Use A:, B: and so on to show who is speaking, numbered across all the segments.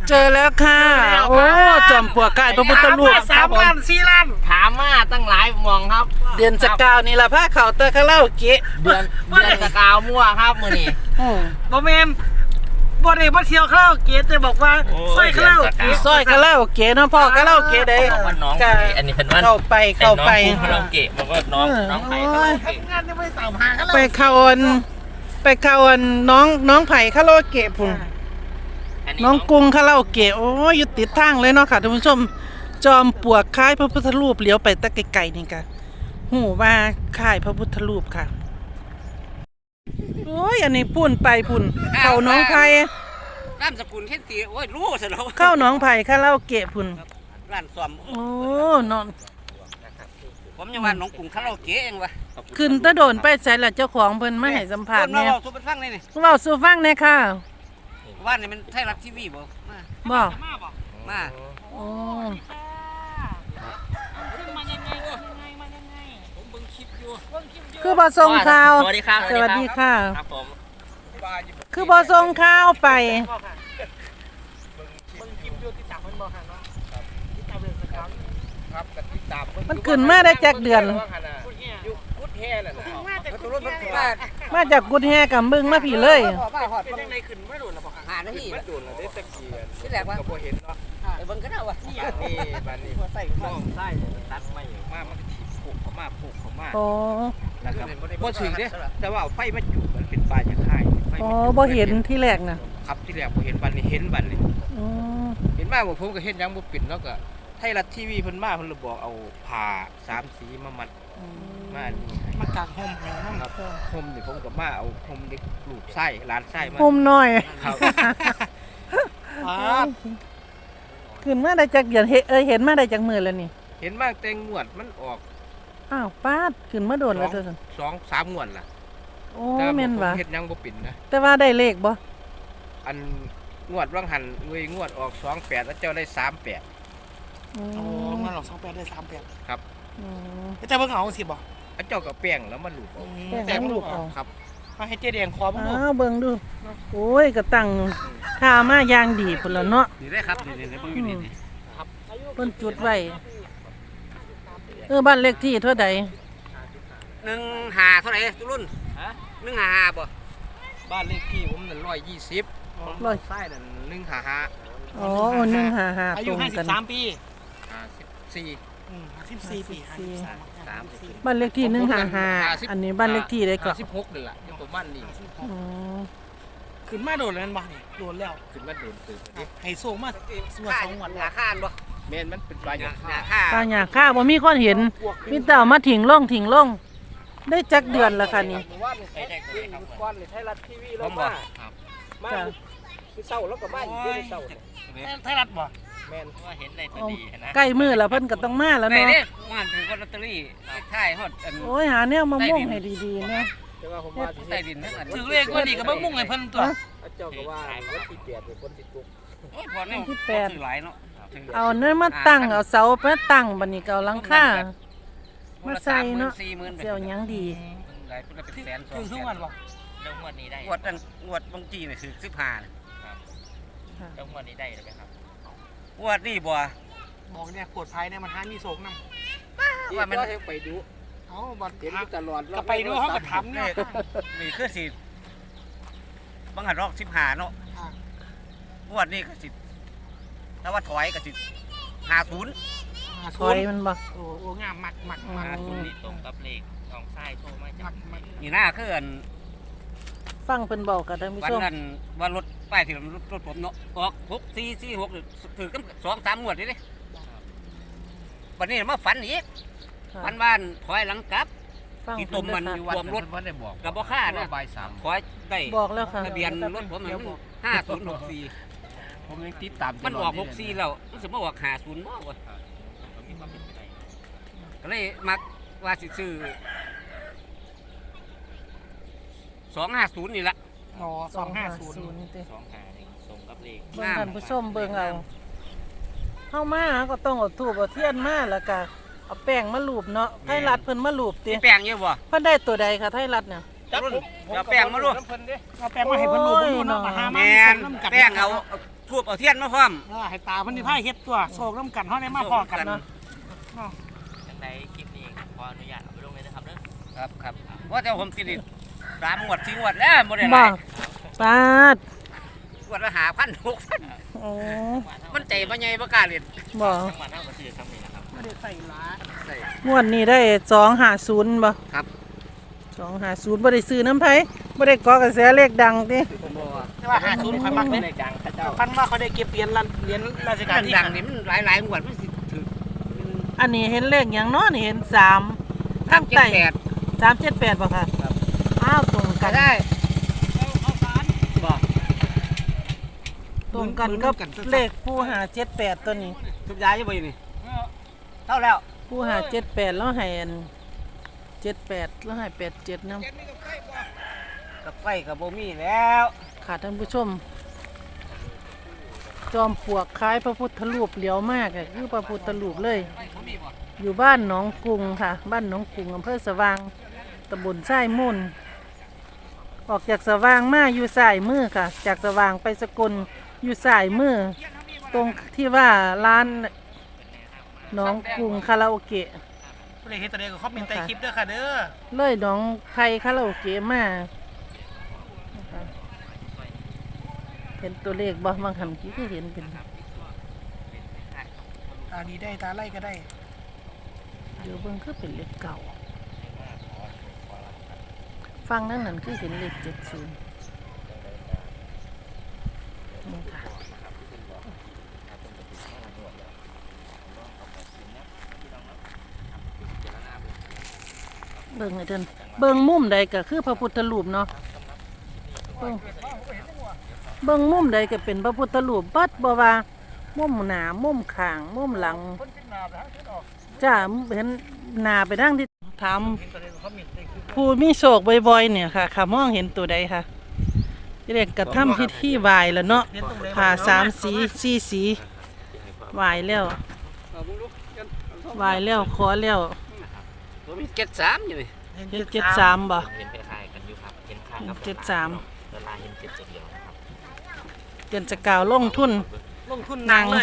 A: เจอแล้วค่ะโอ้จอมปลวกกายพระพุทธรูป
B: 3 ล้าน 4 ล้าน
C: ถามมาตั้งหลายมองครับ
A: เดือนสกาวนี่ล่ะพาเขาเตอร์คาราโอเกะ
C: เดือนสกาวมั่วครับมื้อนี้
B: บ่แม่นบ่ได้มาเที่ยวคาราโอเกะแต่บอกว่าซอยคาราโอเกะ
A: ซอยคาราโอเกะเนาะพ่อคาราโอเกะได้
C: ว่าน้องอันนี้เป็นว่า
A: เข้าไป
C: น้องคาราโอเกะบอกว่าน้องไผ่คาราโอเกะ
B: ทำงานยังไม่ตามหาคาราโอ
A: ไป
B: เกะ
A: เข้าอันน้องไผ่คาราโอเกะพุ่นน้องกรุงคาราโอเกะโอ้ยอยู่ติดทางเลยเนาะค่ะท่านผู้ชมจอมปลวกคล้ายพระพุทธรูปเลี้ยวไปตะไกลๆนี่ค่ะหูว่าคล้ายพระพุทธรูปค่ะโอ้ยอันนี้พุ่นไปพุ่นเข้าน้องไผ่
C: ร้านสกุลเฮ็ดตีโอ้ยรู้ซะแล้ว
A: เข้าน้องไผ่คาราโอเกะพุ่น
C: ร้านซ่อม
A: โอ้นอน
C: ผมยังว่าน้องกรุงคาราโอเกะเองวะ
A: ขึ้นตะโดนไปใส่ละเจ้าของเพิ่นมาให้สัมภาษณ์
C: เนี่
A: เนี่ย ย
C: สุภาพนี่นี่
A: เว้าสู่ฟังแน่ค่ะ
C: ว่านี่มันไทยรัฐทีวีบ่มา
A: บ่
C: มา
A: โอ้
C: ผมเบิ่งคลิปอยู่
A: คือบ่ส่งข่าว
C: สวัสดีครับ
A: สวัสดีค่ะ
C: ครับผม
A: คือบ่ส่งข่าวไป
C: ครับกับติดตาม
A: มันขึ้นมาได้จักเดือน
C: พุทธแห่น่ะนะตัวรถมันมา
A: มาจากกุดแฮกับมึงมาพี่เลย
C: มาหอดเป็นจังไดขึ้นไม่โดนแล้วบ่หานาทีโดนแล้วได้ตะกี้ที่แรกว่าก็บ่เห็นเนาะไอ้เบิ่งก็ได้ว่านี่บัดนี้ใส่น้องใส่ตัดไม้มามันก็ถีบผูกเข้ามาผูกเข้ามา
A: โอ้
C: แล้วก็บ่ถึงเด้แต่ว่าไฟมันอยู่มันเป็นปลายจะค่ายไฟ
A: โอ้บ่เห็นที่แรกน่ะ
C: ครับที่แรกบ่เห็นบัดนี้เห็นบัดนี้
A: อืม
C: เห็นมาบ่ผมก็เฮ็ดหยังบ่เป็นแล้วก็ไทยรัฐทีวีเพิ่นมาเพิ่นเลยบอกเอาผ้า3สีมามัดมานี่ให้
B: มากางห่มให้น้ำ
C: ครับห่มนี่ผมก็มาเอาห่มเด็กลูกไส้หลานไส้มา
A: มุมน้อย
C: ครับ
A: ขึ้นมาได้จักเดือนเห็นมาได้จักมื้อแล้วนี่
C: เห็นมากแต่งวดมันออก
A: อ้าวป้าดขึ้นมาโดนแล้วเด้อซั่น
C: 2-3 งวดล่ะ
A: โอ้
C: แต่
A: แม่น
C: ผม
A: ว่ะ
C: เฮ็ดหยังบ่เป็นนะ
A: แต่ว่าได้เลขบ่
C: อันงวดว่างหันงวดออก28แล้วเจ้าได้38
A: อื
B: โอ้
A: ม
B: เงินหลอก28ได้38
C: ครับ
A: อืม
B: จะเบิ่งเอาสิบ่
C: เจ้าก็แป้งแล้วมันหลุดออก
A: แต่มันลูกเอา
C: ครับ
B: มาให้เจ๊แดงคอบ่
A: อ้าวเบิ่งดูโอ้ยก็ตั้งค่ามาอย่างดีพุ่นแล้วเนาะ
C: นี่ได้ครับนี่เบิ่งอยู่นี่
A: เพิ่นจุดไว้บ้านเลขที่เท่าใด
C: 15เท่าไหร่ตุรุ่นฮะ155บ่ บ้านเลขที่ผมนั่น120
A: ร้อย
C: ไส้นั่น155
A: อ๋อ155
B: อา
A: ต
B: ยุ
A: รงกัน
B: 53 ปี
C: 54
B: 54 ปี
A: บ้านเลขที่155อันนี้บ้านเลขที่ได้ก่อน
C: 56นี่ล่ะยังประมาณนี้
A: อืม
B: ขึ้นมาโดนแล้วบ่นี่โดนแล้ว
C: ขึ้นมาโดนตื่นดิ
B: ให้ส่งมาสวด2วัน
C: หาข้านบ่แม่นมันเป็นปลาหยาค่า
A: ป้าหยาค่าบ่มีคนเห็นมีแต่เอามาถิงลงได้จักเดือนแล้วค่ะนี่
C: ไอ้แท็กก้อนเลยไทยรัฐทีวีแล้วมามา
A: จ้ะ
C: คือเศร้าแล้วก็มาอยู่ด้วยเศร้า
B: ไทยรัฐบ่
C: แม่นว่าเห็นได้ตัวดีนะ
A: ใกล้มือแล้วเพิ่นก็ต้องมาแล้ว
C: ได้
A: เนาะ
C: เด้ว่าถือลอตเตอรี่ใช่ฮอดอัน
A: โอ้ยหาแนวมาม่วงให้ดีๆนะ
C: แต่ว่าผมว่าใต้ดินทั้งอัน
B: ถือเลขว่านี่ก็บ่มุ่งให้เพิ่นตัว
C: เจ้าก็ว่าวันที่8เป็นคนติดคุกโอ้ยพอเนี่ยถือหลายเนาะ
A: เอาเนื้อมาตั้งเอาเสามาตั้งบัดนี้ก็เอาหลังคามาใส่เนาะเสียวหยังดี
C: หลายเป็นแสน
B: ถือทุกวันบ่
D: แล้วงวดนี้ได้
C: งวดนั้นงวดบางทีนี่คือ15
D: แล้วงวดนี้ได้หรือไม่ครับ
C: งวดนี้บ่
B: บอกเนี่ยปวดภัยเนี่ยมันหามีโศกนำ
C: ว่ามันไปดู
B: เอ้าบ่
C: เห็นตลอด
B: ก็ไปดูเฮาก็ถามเนี่ย
C: นี่คือสิบางหันรอก15เนาะงวดนี้ก็สิถ้าว่าถอยก็สิ50
A: ถอยมันบ่
B: โอ้งามมัก
D: นี่ตรงกับเลขน้องไส้โทรมาจาก
C: นี่หน้าคืออัน
A: ฟังเพิ่นบอกกับท่านผู้
C: วัน
A: ชม
C: นั้นว่ารถป้ายที่รถผมเนาะออก6446ถือกัน2-3งวดนี่เด้วันนี้มาฝันอีกฝันบ้านถอยหลังกลับ
A: ฟัง
C: ที่
A: เพิ่
C: ตุ่
A: น
C: มมัน
A: เด้อ
C: อยู่
A: ค่ะ
C: รวมรถกับบ่ค่านะถอยได้
A: บอกแล้วค่ะ
C: ทะเบียนรถผมมัน5064
D: ผมยังติดตาม
C: มันออก64แล้วรู้สึกว่าออก50บ่วะ
D: มีความเป็นไปได้
C: ก็เลยมักว่าสิซื้อ250นี่ละ
B: อ๋อ250
A: นี่ติ
D: 2 หานี่ตรงกับเลข
A: เบิ่งท่านผู้ชมเบิ่งเอาเฮามาก็ต้องเอาธูปเอาเทียนมาแล้วก็เอาแป้งมาลูบเนาะไทยรัฐเพิ่นมาลูบติ
C: มีแป้งเยอะบ่
A: เพิ่นได้ตัวใดค่ะไทยรัฐเนี่ย
C: รุ่นเอาแป้งมาดู
B: เอาแป้งมาให้เพิ่นรู้เนาะมาหามา
C: แม่น
B: น้ำกัด
C: แป้งเอาทูบเอาเทียนมาพร้อม
B: ให้ตาเพิ่นนี่พาเฮ็ดตัวโศกน้ำกันเฮาได้มาพอกันเนาะ
D: จังใดคลิปนี้ขออนุญาตเอาไปลงเลยนะครับเด้อ
C: ครับว่าแต่ผมติด3 งวด 4 งวดแล้วบ่ได้ห
A: บ่
C: ลาย
A: ปาด
C: งวดละ5,000 6,000
A: โอ้
C: มันใจบ่ใหญ่บ่กล้าเล่น
A: บ่
D: จังหวัดเท่ากับชื่อคำนี้นะครับ
B: ไม่ได้ใส่หลา
C: ใส่
A: งวดนี้ได้250บ่
C: ครับ
A: 250บ่ได้ซื้อน้ำไผบ่ได้เกาะกระแสเลขดังติ
C: ผมบอกว่า
B: แต่ว่า50ข่อยมัก
C: ใน
B: เด้
C: กลางเขาเจ้า
B: พันว่าเขาได้เก็บเหรียญราชการที่
C: ดังๆนี่มันหลายๆงวดมันสิถือ
A: อันนี้เห็นเลขหยังเนาะนี่เห็น3ทางใต้
C: 378
A: 378บ่ค่ะอ้าวตรง
C: ก็
A: กัน
C: ได้บอก
A: ตรงกันกับเลขผู้หา78ตัวนี้
C: ทุบยายอยู่บ่อยู่นี่เท่าแล้ว
A: ผู้หา78แล้วให้อัน78แล้วให้87นำ
C: กับไฟกับบ่มีแล้ว
A: ค่ะท่านผู้ชม จอมปลวกคล้ายพระพุทธรูปเหลียวมากอะคือพระพุทธรูปเลย อยู่บ้านหนองกรุงค่ะ บ้านหนองกรุงอำเภอสว่างตำบลไส้มุ่นออกจากสว่างมาอยู่สายมือค่ะ จากสว่างไปสกลอยู่สายมือตรงที่ว่าร้านหนองกรุงคาราโอเกะ
B: ผู้ใดเฮ็ดตัวใดก็คอมเมนต์ใต้คลิปเด้อค่ะเด้อ
A: เลยหนองไทยคาราโอเกะมานะคะเห็นตัวเลขบ่บางคำกี้ก็เห็นเป็น
B: ตาดีได้ตาไล่ก็ได้
A: เดี๋ยวเบิ่งคือเป็นเลขเก่า ฟังนั่นนั่นคือเห็นเลข70นี่ค่ะเบิ่งให้เดินเบิ่งมุมใดก็คือพระพุทธรูปเนาะเบิ่งมุมใดก็เป็นพระพุทธรูปบัดบ่ว่ามุมหน้ามุมข้างมุมหลังจ้าเห็นหน้าไปทางที่ถามผู้มีโศกบ่อยๆเนี่ยค่ะค่ะมองเห็นตัวใดค่ะเรียกกระทำพิธีไหว้แล้วเนาะผ่า3 สี 4 สีไหว้แล้วไหว้แล้วขอแล้ว
C: ผมมี73อยู่นี่
A: เฮ็ด73บ่
D: เห็นคล้ายๆกันอยู่ครับเห็นข้างกับ
A: 73
D: เวลาเห็นเจ็ดตัวเดียวนะครับ
A: เดือนจะกล่าวลงทุน
B: ลงทุนนางเลย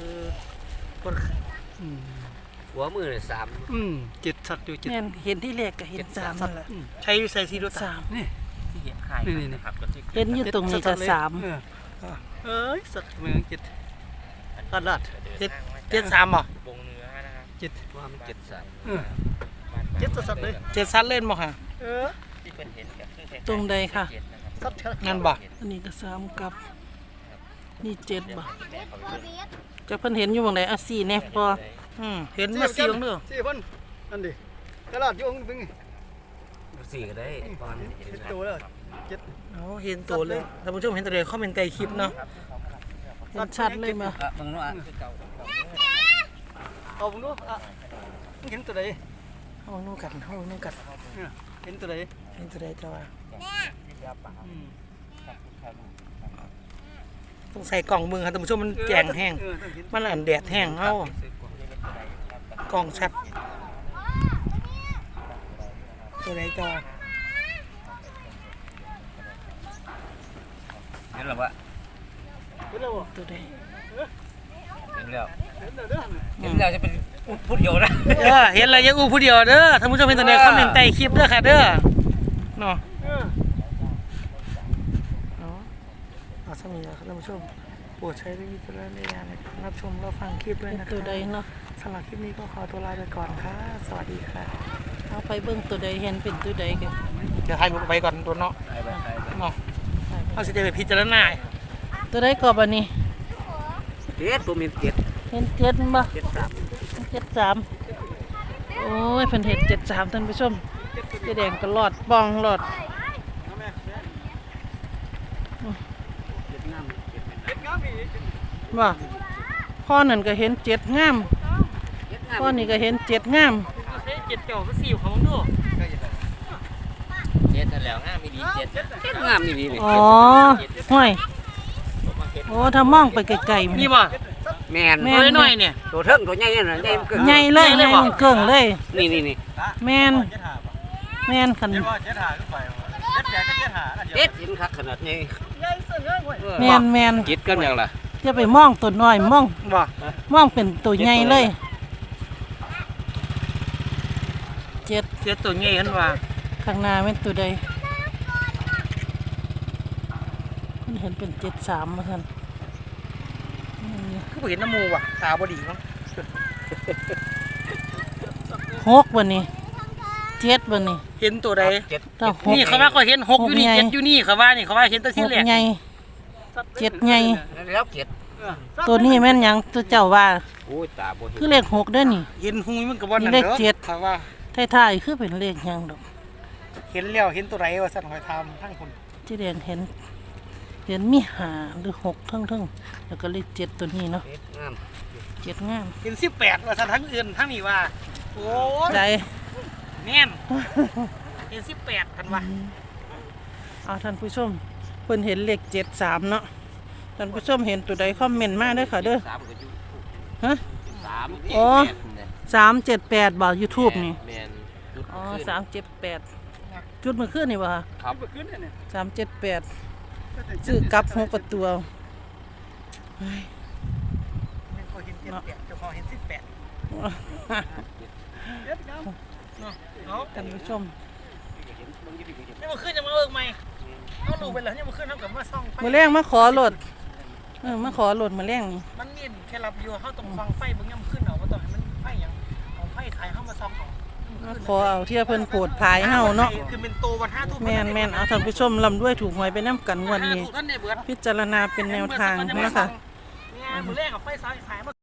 C: หัวมือเลย3
B: 7สัตว์อยู่
A: แม่นเห็นที่เลขก็เห็น3นั่นแหละ
B: ใช้ใส่ซีดูตา
A: 3
B: นี่
D: ที่เห็นคล้ายกันนะครับก็ที่
A: เห็นอยู่ตรงนี้ก็3
B: เอ้ยสัตว์เมือง7
D: ตลาด
B: 73บ่
D: วงเนื้อนะครับ
C: ว่ามัน73
B: 7สัตว์เลย7สัตว์เล่นบ่ค่ะ
D: ที่เป็นเห็นกับคือ
A: ตรงใดค่ะ
D: เจ็ดนะครับ
B: สัตว์งั้นบ่
A: อันนี้ก็3กับนี่7บ่จะเพิ่นเห็นอยู่บ่งใดเอา4แน่พอ
B: เห็นมา4ลงเด้อ
E: 4 คนนั่นดิตลาดอยู่บึง
C: 4ก็ได้ตอนนี้
E: เห็นโตแล้ว
B: โอ้เห็นตัวเลยท่านผู้ชมเห็นตัวใดคอมเมนต์ใต้คลิปเนาะ
A: เห็นชัดเลยมา
C: มึงเนาะ
E: เอาผมดูเห็นตัวใด
A: เฮานู่กัน
E: เห็นตัวใด
A: เห็นตัวใดจะว่าต้องใส่กล่องมือครับท่านผู้ชมมันแจงแห้งมันอันแดดแห้งเฮากล่องชัดตัวใดจะว่า
C: เห็นแล้ววะ
A: ตัวใด
C: เห็นแล้วเห็นแล้วจะเป็นพูดเดียวนะ
B: เห็นอะไรยังอู้ผู้เดียวเด้อท่านผู้ชมเห็นตัวใดคอมเมนต์ใต้คลิปเด้อค่ะเด้อเนาะเอาสมีแล้วครับท่านผู้ชมโปรดใช้วิจารณญาณในการรับชมรับฟังคลิปด้วยนะคะ
A: ตัวใดเนาะ
B: สำหรับคลิปนี้ก็ขอตัวลาไปก่อนค่ะสวัสดีค่ะ
A: เอาไปเบิ่งตัวใดเห็นเป็นตัวใดกัน
B: เดี๋ยวให้ไปก่อนตัวเนาะเนาะเอาสิได้ไปพิจารณา
A: ตัวใดกรอบอันนี้
C: 7ผมเห็น7
A: เห็น7บ่
C: 73
A: 73โอ้ยเพิ่นเห็น73ท่านผู้ชมเจ๊แดงก็รอดป้องรอดว่าพ่อนั่นก็เห็น7งามพ่อนี่ก็เห็น7งาม
B: เจ็ดเจ้าก็4ของดู
D: เจ็ดนั่นแหล้วง่ายไม่ดีเจ็ด
C: งามนี่นี่
A: อ๋อห้วยโอ้ถ้ามองไปไกลๆมัน
B: นี่บ่
C: แม่น
A: แม่
B: ตัวน้อยเนี่ย
C: ตัวเทิงตัวใหญ่น่ะใหญ่เกิน
A: ใหญ่เลยใหญ่มันเกิ่งเลย
C: นี่
A: แม่นแม่นคัน
E: เจ็ดว่า7 หาขึ้นไป7 8 7 หาอันเดียว
C: เด็ดเห็นคักขนาดนี้
A: แม่น
C: จิตกันอย่างล่ะ
A: อย่าไปมองตัวน้อยมอง
B: บ่
A: มองเป็นตัวใหญ่เลยเจ็ด
B: เจ็ดตัวใหญ่เห็นว่า
A: ข้างหน้าเป็นตัวใดมันเห็นเป็น73มาท่าน
B: คือบ่เห็นน้ำมูว่ะตาบ่ดีมั้ง
A: 6บ่นี่7บ่นี่
B: เห็นตัวใด
A: ถ้าหก
B: นี่เขาว่าเขาเห็นหกอยู่นี่
A: หกไง
B: เจ็ดอยู่นี่เขาว่านี่เขาว่าเห็นแตัวที่แรก
A: 6ใหญ่7ใหญ่
C: แล้วเก็ด
A: ตัวนี้แม่นหยังตัวเจ้าว่า
C: โอ้ยตาบ่เห็น
A: คือเลข6เด้อนี่
B: เห็นหุยมันก็บ่นั่น
A: เลข
B: เด้อ
A: เจ็ด
B: เขาว่า
A: ท้ายๆคือเป็นเลขหยังดอก
B: เห็นแล้วเห็นตัวใดว่าสั่นหอยทำทั้งคน
A: ที่แดงเห็นมี5หรือ6ทั้งๆแล้วก็เลข7ตัวนี้เนาะ
C: งาม
A: 7งาม
B: เห็น18ว่าสั่นทั้งอื่นทั้งนี้ว่าโอ้ย
A: ใจ
B: แน่นเห็น18กันว่า
A: เอาท่านผู้ชมเพิ่นเห็นเลข73เนาะท่านผู้ชมเห็นตัวใดคอมเมนต์มาเด้อค่ะเด้อ
C: 3ก็อยู่
A: ฮะ
C: 3
A: อ๋อ 378บ่ YouTube นี่
C: แม่น
A: อ๋อ378จุดเมื่อคืนนี่บ่คะ
C: ครับ
E: ขึ้นเนี่ย
A: 378ซื้อกลับ6ประตูเอา
B: ไม่เคยเห็น78เจ้าของเห็น18เอา
A: ท่านผู้ชม
B: นี่มันขึ้นจะมาเอิกไหมเอาลูกไปเลยนี่มันขึ้นเท่ากับมาซ่องไฟ
A: มื้อแรงมาขอโหลดมาขอโหลดมื้อแรงนี่
B: มันมีแค่รับอยู่เขาต้องฟังไฟบางอย่างมันขึ้นเอาว่าต้องให้มันไฟอย่างเอาไฟขายเข้ามาซ่องเอา
A: มาขอเอาที่เพิ่นโปรดภายเฮาเนาะ
B: คือเป็นโตวัน5ทุ่ม
A: แม่นเอาท่านผู้ชมลำด้วยถูกหวยไปนํกันงวดนี้
B: ท่านเนี่ยเบิด
A: พิจารณาเป็นแนวทางนะคะ
B: เนี่ยมือแรกกับไฟซ้ายขายมา